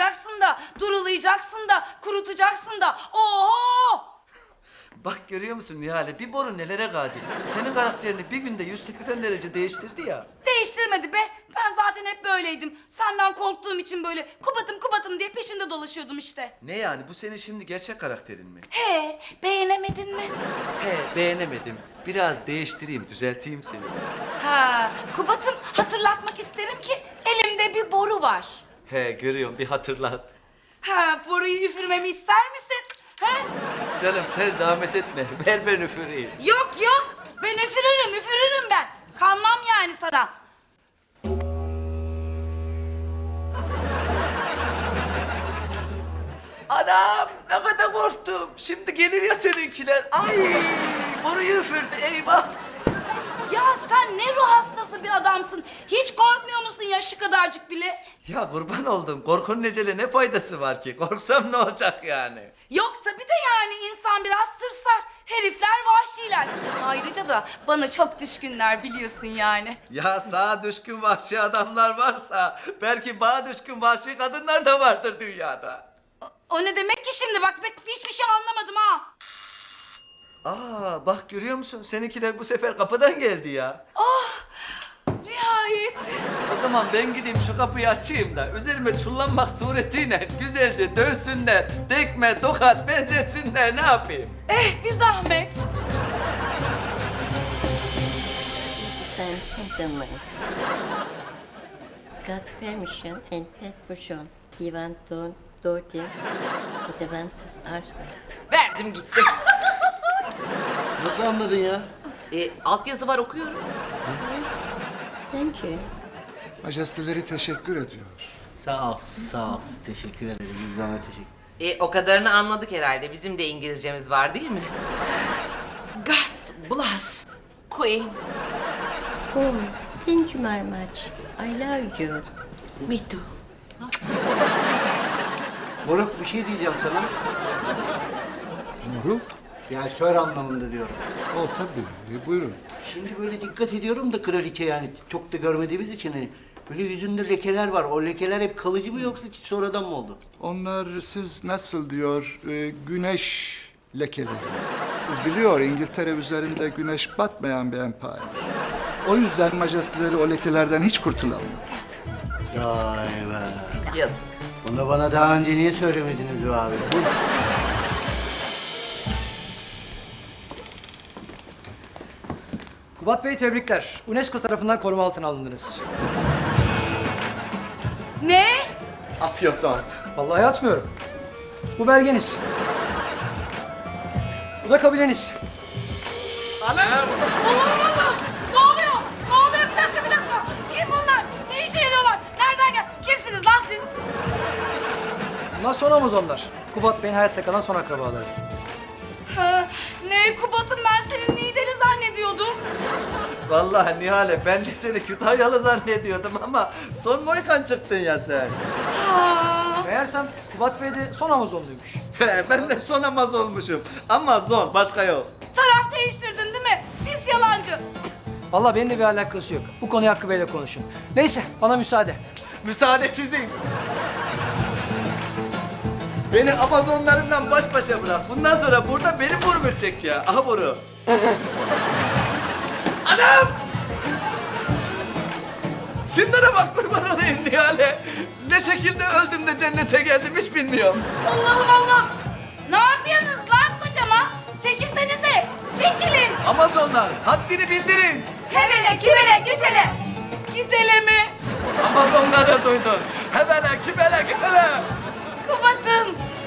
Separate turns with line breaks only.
yıkayacaksın da, durulayacaksın da, kurutacaksın da. Oho!
Bak görüyor musun Nihale? Bir boru nelere kadir. Senin karakterini bir günde 180 derece değiştirdi ya.
Değiştirmedi be. Ben zaten hep böyleydim. Senden korktuğum için böyle Kubat'ım diye peşinde dolaşıyordum işte.
Ne yani? Bu senin şimdi gerçek karakterin mi?
He, beğenemedin mi?
He, beğenemedim. Biraz değiştireyim, düzelteyim seni.
Ha, Kubat'ım, hatırlatmak isterim ki elimde bir boru var.
He, görüyorum. Bir hatırlat.
Ha, boruyu üfürmemi ister misin? He?
Canım sen zahmet etme. Ver ben üfüreyim.
Yok, ben üfürürüm ben. Kanmam yani sana.
Anam ne kadar korktum. Şimdi gelir ya seninkiler. Ay boruyu üfürdü eyvah.
Ya sen ne ruh hastası bir adamsın. Hiç korkmuyor musun ya şu kadarcık bile?
Ya kurban oldum. Korkunun ecele ne faydası var ki? Korksam ne olacak yani?
Yok tabii de yani insan biraz tırsar. Herifler vahşiler. Ayrıca da bana çok düşkünler biliyorsun yani.
Ya sağa düşkün vahşi adamlar varsa belki bağa düşkün vahşi kadınlar da vardır dünyada.
O ne demek ki şimdi bak hiçbir şey anlamadım ha.
Aa bak görüyor musun? Seninkiler bu sefer kapıdan geldi ya.
Nihayet.
O zaman ben gideyim şu kapıyı açayım da üzerime çullanmak suretiyle güzelce dövsünler, tekme, tokat benzetsinler ne yapayım?
Bir zahmet.
Ladies and gentlemen, got permission and permission. You want to do the advantage also.
Verdim gitti.
Nasıl anladın ya?
Altyazı var okuyorum.
Thank you.
Majesteleri teşekkür ediyor.
Sağ ol, sağ ol. Teşekkür ederim. Bizden de teşekkür.
O kadarını anladık herhalde. Bizim de İngilizcemiz var değil mi? God bless Queen.
Oh, thank you very much. I love you.
Me too.
Moruk bir şey diyeceğim sana.
Moruk?
Ya sör anlamında diyorum.
O tabii. Buyurun.
Şimdi böyle dikkat ediyorum da kraliçe yani çok da görmediğimiz için hani böyle yüzünde lekeler var. O lekeler hep kalıcı mı yoksa sonradan mı oldu?
Onlar siz nasıl diyor, güneş lekeleri. Siz biliyor İngiltere üzerinde güneş batmayan bir empire. O yüzden majesteleri o lekelerden hiç kurtulamıyor.
Vay be.
Yazık.
Bunu bana daha önce niye söylemediniz be abi?
Kubat Bey tebrikler. UNESCO tarafından koruma altına alındınız.
Ne?
Atıyorsun. Vallahi atmıyorum. Bu belgeniz. Bu da kabileniz.
Allah'ım! Ne oluyor? Ne oluyor? Bir dakika. Kim bunlar? Ne işe yarıyorlar? Nereden gel? Kimsiniz lan siz?
Bunlar son Amazonlar. Kubat Bey'in hayatta kalan son akrabaları.
Ha, ne Kubat'ım ben senin lideri zannediyordum.
Vallahi Nihale ben de seni Kütahyalı zannediyordum ama son Moykan çıktın ya sen.
Ha.
Meğersem Kubat Bey de son Amazonluymuş.
Ben de son Amaz olmuşum. Amazon başka yok.
Taraf değiştirdin değil mi? Pis yalancı.
Vallahi benimle bir alakası yok. Bu konuyu Hakkı Bey'le konuşun. Neyse bana müsaade.
Müsaade sizin. Beni Amazonlarımla baş başa bırak. Bundan sonra burada benim borumu çek ya. Aha boru. Anam! Şimdilere bak kurban olayım Nihale. Ne şekilde öldüm de cennete geldim hiç bilmiyorum.
Allah'ım. Ne yapıyorsunuz lan kocama? Çekilsenize. Çekilin.
Amazonlar haddini bildirin.
Hebele kibele git hele. Git hele mi?
Amazonlara duydun. Hebele kibele git hele.
Kubat'ım.